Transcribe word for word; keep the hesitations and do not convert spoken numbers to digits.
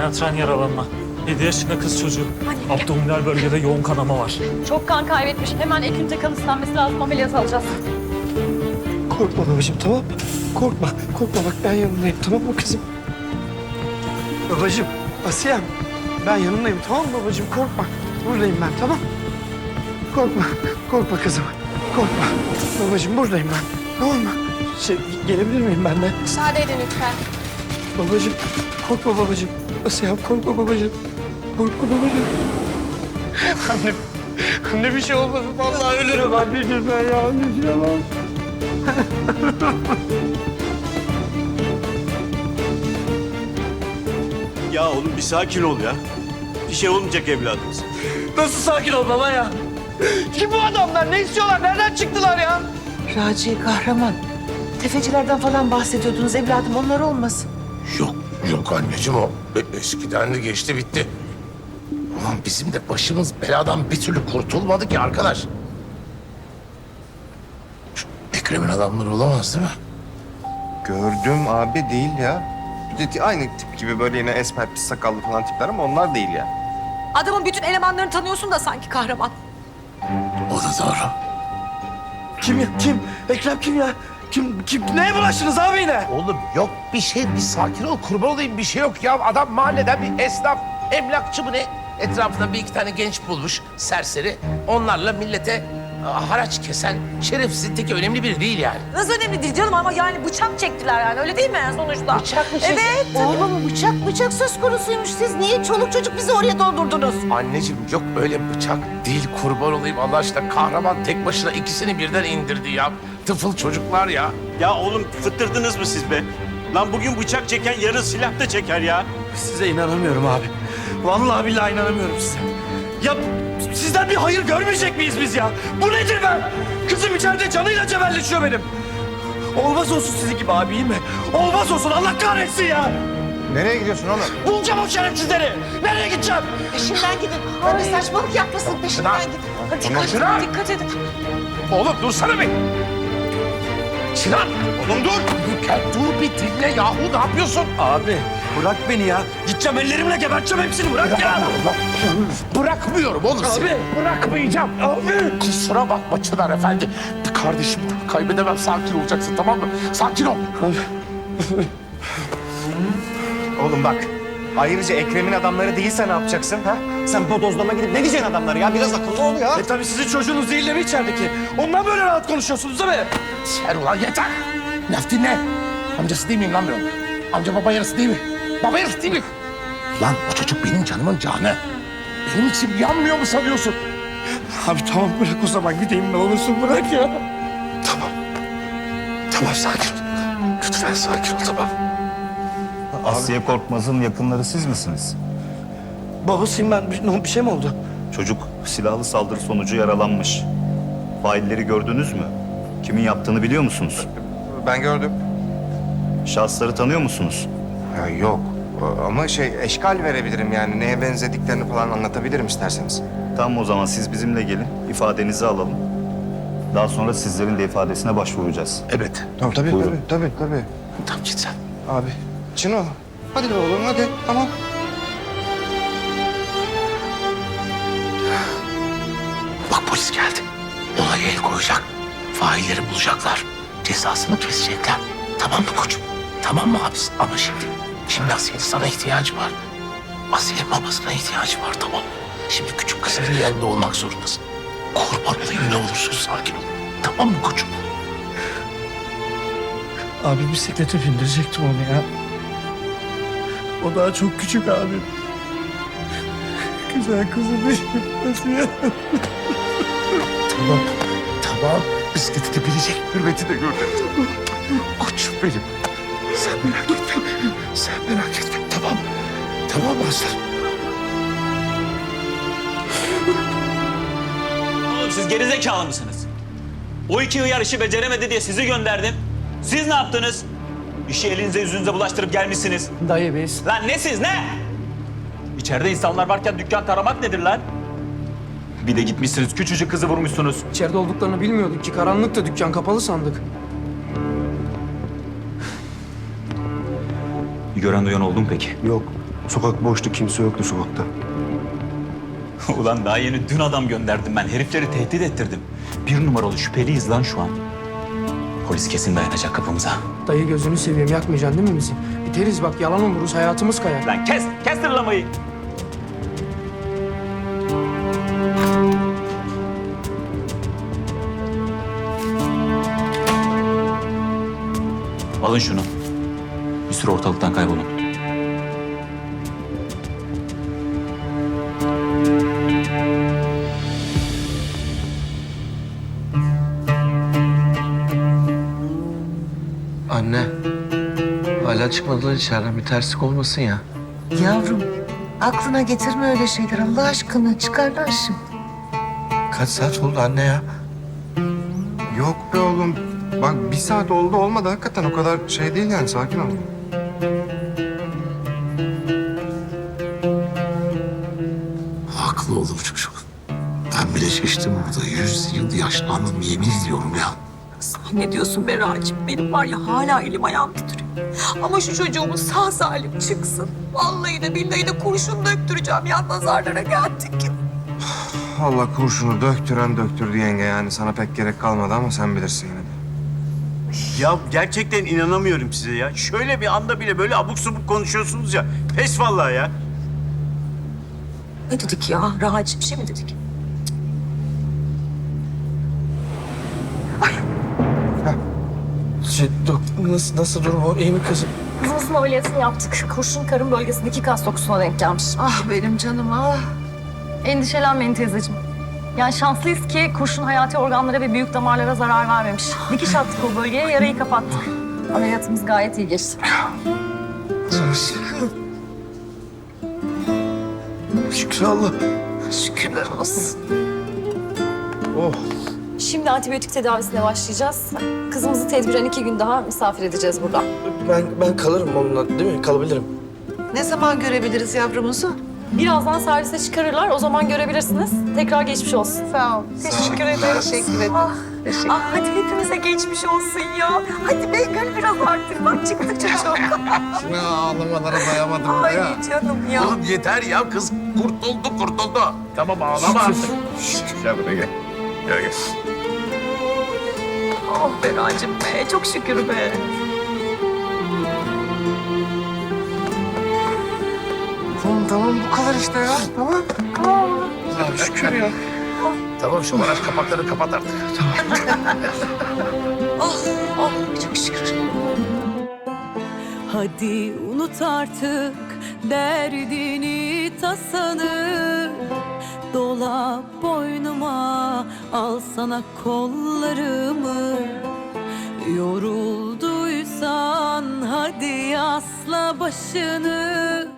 penetran yaralanma. Yedi yaşında kız çocuğu. Abdominal bölgede yoğun kanama var. Çok kan kaybetmiş. Hemen ek ünite kan istenmesi lazım. Ameliyat alacağız. Korkma babacığım, tamam mı? Korkma, korkma bak ben yanındayım, tamam mı kızım? Babacığım, Asiyem, ben yanındayım, tamam mı babacığım? Korkma, buradayım ben, tamam? Korkma, korkma kızım, korkma. Babacığım buradayım ben, tamam mı? Şey, gelebilir miyim ben de? Müsaade edin lütfen. Babacığım, korkma babacığım. Asiyem, korkma babacığım. Korkma babacığım. Anne, anne bir şey olmasın, vallahi ölürüm anneciğim ben ya, anneciğim ya. Ya oğlum bir sakin ol ya. Bir şey olmayacak evladımız. Nasıl sakin ol baba ya? Kim bu adamlar? Ne istiyorlar? Nereden çıktılar ya? Raci, kahraman. Tefecilerden falan bahsediyordunuz evladım, onlar olmasın. Yok, yok anneciğim o. E- Eskiden de geçti bitti. Ulan bizim de başımız beladan bir türlü kurtulmadı ki arkadaş. Şu Ekrem'in adamları olamaz değil mi? Gördüm abi değil ya. Bir de aynı tip gibi böyle yine esmer pis sakallı falan tipler ama onlar değil ya. Adamın bütün elemanlarını tanıyorsun da sanki kahraman. O da doğru. Kim ya? Kim? Ekrem kim ya? Kim? Kim? Neye bulaştınız abi yine? Oğlum yok bir şey, bir sakin ol, kurban olayım bir şey yok ya. Adam mahalleden bir esnaf, emlakçı mı ne? Etrafında bir iki tane genç bulmuş, serseri. Onlarla millete a, haraç kesen şerefsizin teki önemli biri değil yani. Nasıl önemli değil canım ama yani bıçak çektiler yani öyle değil mi yani sonuçta? Bıçak mı Evet. Oğlum bıçak bıçak söz konusuymuş. Siz niye çoluk çocuk bizi oraya doldurdunuz? Anneciğim yok öyle bıçak değil, kurban olayım Allah aşkına. Kahraman tek başına ikisini birden indirdi ya. Tıfıl çocuklar ya. Ya oğlum fıttırdınız mı siz be? Lan bugün bıçak çeken yarın silah da çeker ya. Size inanamıyorum abi. Vallahi billahi inanamıyorum size. Ya sizden bir hayır görmeyecek miyiz biz ya? Bu nedir be? Kızım içeride canıyla cebelleşiyor benim. Olmaz olsun sizin gibi abi, iyi mi? Olmaz olsun, Allah kahretsin ya. Nereye gidiyorsun oğlum? Bulacağım o şerefsizleri. Nereye gideceğim? Peşinden gidin. Abi saçmalık yapmasın peşinden gidin. Hadi dikkat, Sinan! dikkat edin. Oğlum dursana bir. Sinan! Oğlum dur! Dur, dur bir dinle yahu, ne yapıyorsun? Abi bırak beni ya. Gideceğim ellerimle geberteceğim hepsini, bırak ya. Bırakmıyorum oğlum seni. Abi. Bırakmayacağım. Abi. Kusura bakma Çınar Efendi. Kardeşim kaybedemem, sakin olacaksın tamam mı? Sakin ol. Oğlum bak. Ayrıca Ekrem'in adamları değilse ne yapacaksın ha? Sen bodozlama gidip ne diyeceksin adamlara ya? Biraz akıllı ol ya. E tabii sizin çocuğunuz değil de mi içerideki? Ondan böyle rahat konuşuyorsunuz değil mi? Sen ulan yeter. Laf dinle. Amcası değil miyim lan ben onun? Amca baba yarısı değil mi? Baba yarısı değil mi? Lan o çocuk benim canımın canı. Benim için yanmıyor mu sanıyorsun? Abi tamam bırak o zaman gideyim ne olursun bırak ya. Tamam. Tamam sakin ol. Lütfen sakin ol tamam. Asiye Korkmaz'ın yakınları siz misiniz? Babasıyım ben. Bir, bir şey mi oldu? Çocuk silahlı saldırı sonucu yaralanmış. Failleri gördünüz mü? Kimin yaptığını biliyor musunuz? Ben gördüm. Şahısları tanıyor musunuz? Ya yok. Ama şey eşkal verebilirim yani. Neye benzediklerini falan anlatabilirim isterseniz. Tamam o zaman siz bizimle gelin, ifadenizi alalım. Daha sonra sizlerin de ifadesine başvuracağız. Evet. Tamam tabii Buyurun. tabii tabii tabii. Tamam git sen. Abi. Çino. Hadi be oğlum hadi tamam. Bak polis geldi. Olaya el koyacak. Failleri bulacaklar. Cezasını kesecekler. Tamam mı koçum? Tamam mı abisi? Ama şimdi, şimdi Asiye'nin sana ihtiyacı var. Asiye'nin babasına ihtiyacı var tamam mı? Şimdi küçük kızının yanında olmak zorundasın. Kurban olayım ne olursun sakin ol. Tamam mı koçum? Abi bisiklete bindirecektim onu ya. O daha çok küçük abi. Güzel kızım benim. Nasıl ya? Tamam, tamam. Bisikleti de bilecek, hürmeti de gördüm. Koçum benim. Sen merak etme, sen merak etme. Tamam, tamam aslanım. Oğlum siz gerizekalı mısınız? O iki hıyar işi beceremedi diye sizi gönderdim. Siz ne yaptınız? İşi elinize yüzünüze bulaştırıp gelmişsiniz. Dayı biz. Lan ne siz ne? İçeride insanlar varken dükkan taramak nedir lan? Bir de gitmişsiniz küçücük kızı vurmuşsunuz. İçeride olduklarını bilmiyorduk ki. Karanlıkta dükkan kapalı sandık. Bir gören duyan oldu mu peki? Yok. Sokak boştu, kimse yoktu sokakta. Ulan daha yeni dün adam gönderdim ben. Herifleri tehdit ettirdim. Bir numaralı şüpheliyiz lan şu an. Polis kesin dayanacak kapımıza. Dayı gözünü seveyim yakmayacaksın değil mi bizi? Biteriz bak yalan oluruz hayatımız kayar. Lan kes, kes tırlamayı. Alın şunu. Bir süre ortalıktan kaybolun. Anne, hala çıkmadılar içeriden. Bir terslik olmasın ya. Yavrum aklına getirme öyle şeyler Allah aşkına çıkarlar şimdi. Kaç saat oldu anne ya? Yok be oğlum. Bak bir saat oldu olmadı hakikaten o kadar şey değil yani sakin ol. Haklı oğlum çocuk. Ben bile şiştim burada. Yüz yıl yaşlandım yemin ediyorum ya. Ne diyorsun be Racim? Benim var ya hala elim ayağım titriyor. Ama şu çocuğumuz sağ salim çıksın. Vallahi de billahi de kurşun döktüreceğim ya nazarlara geldik. Allah kurşunu döktüren döktürdü yenge yani sana pek gerek kalmadı ama sen bilirsin yine de. Ya gerçekten inanamıyorum size ya. Şöyle bir anda bile böyle abuk subuk konuşuyorsunuz ya. Pes vallahi ya. Ne dedik ya? Racim bir şey mi dedik? Şey, dok, nasıl, nasıl durum o? İyi mi kızım? Kızımızın ameliyatını yaptık. Kurşun karın bölgesindeki kas dokusuna denk gelmiş. Ah benim canım ah. Endişelenmeyin teyzeciğim. Yani şanslıyız ki kurşun hayati organlara ve büyük damarlara zarar vermemiş. Dikiş attık o bölgeye, yarayı kapattık. Ameliyatımız gayet iyi geçti. Şükür Allah. Şükürler olsun. Oh. Şimdi antibiyotik tedavisine başlayacağız. Kızımızı tedbiren iki gün daha misafir edeceğiz burada. Ben ben kalırım onunla değil mi? Kalabilirim. Ne zaman görebiliriz yavrumuzu? Birazdan servise çıkarırlar, o zaman görebilirsiniz. Tekrar geçmiş olsun. Sağ ol. Teşekkür ederim. Teşekkür ederim. Ah, ah, hadi hepimize geçmiş olsun ya. Hadi be gül biraz artık. Bak çıktı çocuk. Şuna ağlamalara dayamadım Ay canım ya. Oğlum yeter ya kız kurtuldu kurtuldu. Tamam ağlama artık. Gel buraya gel. Gel gel. Oh be Racim be. Çok şükür be. Tamam tamam bu kadar işte ya tamam. Allah'ım şükür ya. Tamam şu baraj kapakları kapat artık. Oh, oh çok şükür. Hadi unut artık derdini tasanı. Dola boynuma al sana kollarımı. Yorulduysan hadi asla başını.